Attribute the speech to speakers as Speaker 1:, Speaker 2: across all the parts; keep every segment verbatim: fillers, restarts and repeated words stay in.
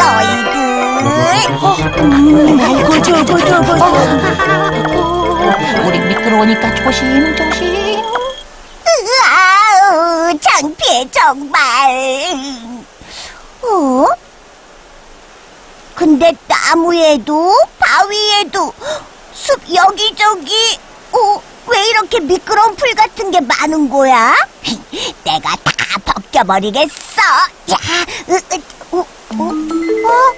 Speaker 1: 너희들.
Speaker 2: 음, 아이고 저거 저거 저거.
Speaker 3: 우리 미끄러우니까 조심 조심.
Speaker 1: 아우, 창피해 정말. 어? 근데 나무에도 바위에도 숲 여기저기 어? 왜 이렇게 미끄러운 풀 같은 게 많은 거야? 내가 다 벗겨버리겠어. 야, 으, 으, 어, 어, 어?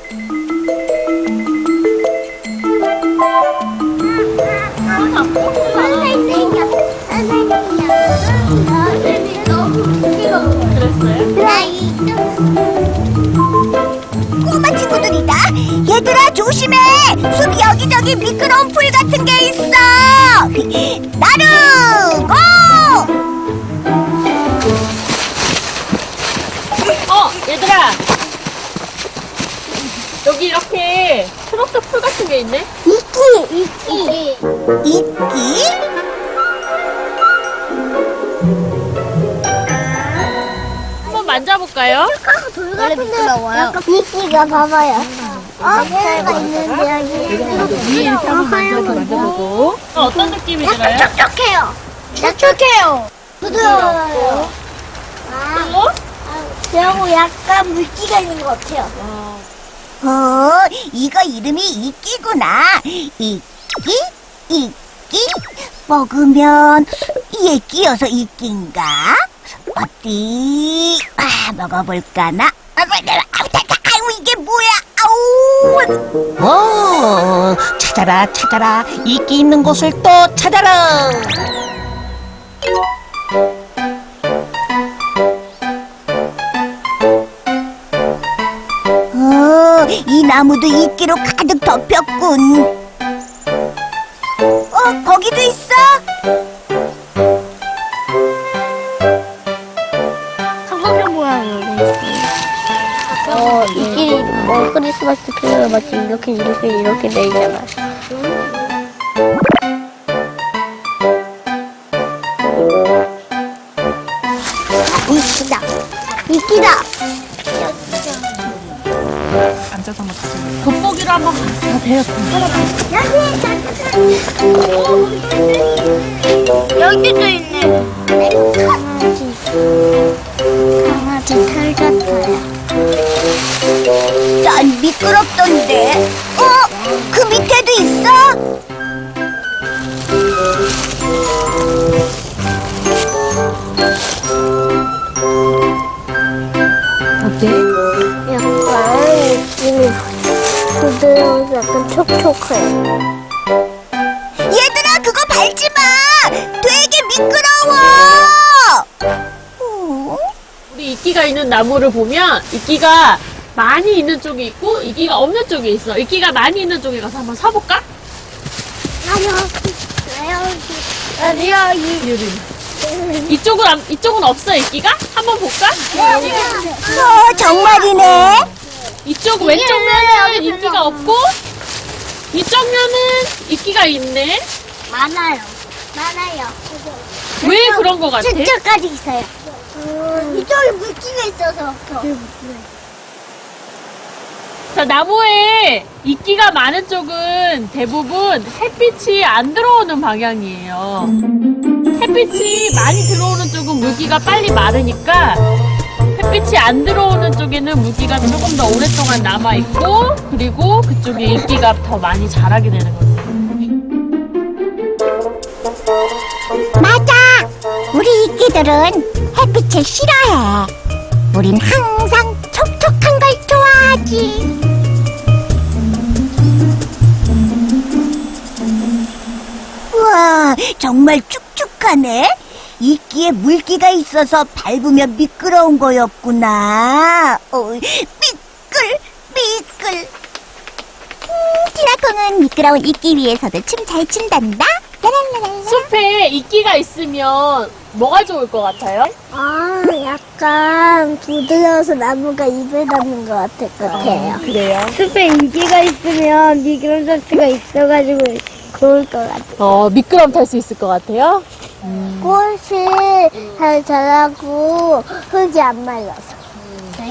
Speaker 1: 꼬마 친구들이다. 얘들아 조심해. 숲 여기저기 미끄러운 풀 같은 게 있어. 나루 고!
Speaker 4: 어, 얘들아. 여기 이렇게 초록색 풀 같은 게 있네?
Speaker 1: 이끼 이끼 이끼?
Speaker 4: 한번 만져볼까요?
Speaker 1: 원래 미끄러워요. 이끼가 봐봐요. 어? 새가 있는데 여기
Speaker 4: 위에 이렇게 한번 만져보고. 어, 어떤 느낌이 들어요?
Speaker 1: 촉촉해요. 촉촉해요. 부드러워요.
Speaker 4: 그리고?
Speaker 1: 그리고 약간 물기가 있는 것 같아요. 어, 이거 이름이 이끼구나. 이끼, 이끼. 먹으면 이에 끼어서 이끼인가? 어디? 아, 먹어볼까나? 아이고, 이게 뭐야? 아우!
Speaker 3: 오, 찾아라 찾아라. 이끼 있는 곳을 또 찾아라.
Speaker 1: 어, 이 나무도 이끼로 가득 덮였군. 어, 거기도 있어?
Speaker 5: 삼각형 모양이요. 어, 이게 뭐 크리스마스 트리가 마치 이렇게 이렇게 이렇게 돼 있잖아.
Speaker 1: 이끼다. 이끼다.
Speaker 3: 앉아서 한번 다시.
Speaker 4: 돋보기로 한번 다 대요.
Speaker 5: 여기도 있네. 강아지 털 같아요.
Speaker 1: 난 미끄럽던데. 어? 그 밑에도 있어?
Speaker 4: 어때?
Speaker 5: 약간 느낌이 부드러워서 약간 촉촉해요.
Speaker 1: 얘들아, 그거 밟지 마. 되게 미끄러워. 어?
Speaker 4: 우리 이끼가 있는 나무를 보면 이끼가 많이 있는 쪽이 있고 이끼가 없는 쪽이 있어. 이끼가 많이 있는 쪽에 가서 한번 서볼까?
Speaker 5: 아니야, 이
Speaker 4: 유리. 이쪽은 안- 이쪽은 없어 이끼가? 한번 볼까?
Speaker 1: 어, 정말이네.
Speaker 4: 이쪽 왼쪽 면은 이끼가 없고 이쪽 면은 이끼가 있네.
Speaker 5: 많아요. 많아요.
Speaker 4: 왜 그런 거 같아?
Speaker 5: 저쪽까지 있어요.
Speaker 1: 이쪽에 물기가 있어서.
Speaker 4: 자, 나무에 이끼가 많은 쪽은 대부분 햇빛이 안 들어오는 방향이에요. 햇빛이 많이 들어오는 쪽은 물기가 빨리 마르니까 햇빛이 안 들어오는 쪽에는 물기가 조금 더 오랫동안 남아있고 그리고 그쪽에 이끼가 더 많이 자라게 되는 거죠.
Speaker 1: 맞아. 우리 이끼들은 햇빛을 싫어해. 우린 항상 촉촉한 걸 좋아하지. 우와, 정말 축축하네. 이끼에 물기가 있어서 밟으면 미끄러운 거였구나. 어, 미끌, 미끌. 음, 티라콩은 미끄러운 이끼 위에서도 춤 잘 춘단다. 라랄라랄라.
Speaker 4: 숲에 이끼가 있으면 뭐가 좋을 것 같아요?
Speaker 5: 아, 약간 부드러워서 나무가 입에 닿는 것 같을 것 같아요.
Speaker 4: 그래요?
Speaker 5: 숲에 인기가 있으면 미끄럼 자체가 있어가지고 좋을 것 같아요.
Speaker 4: 어, 미끄럼 탈 수 있을 것 같아요?
Speaker 5: 꽃이 잘 자라고 흙이 안 말라서.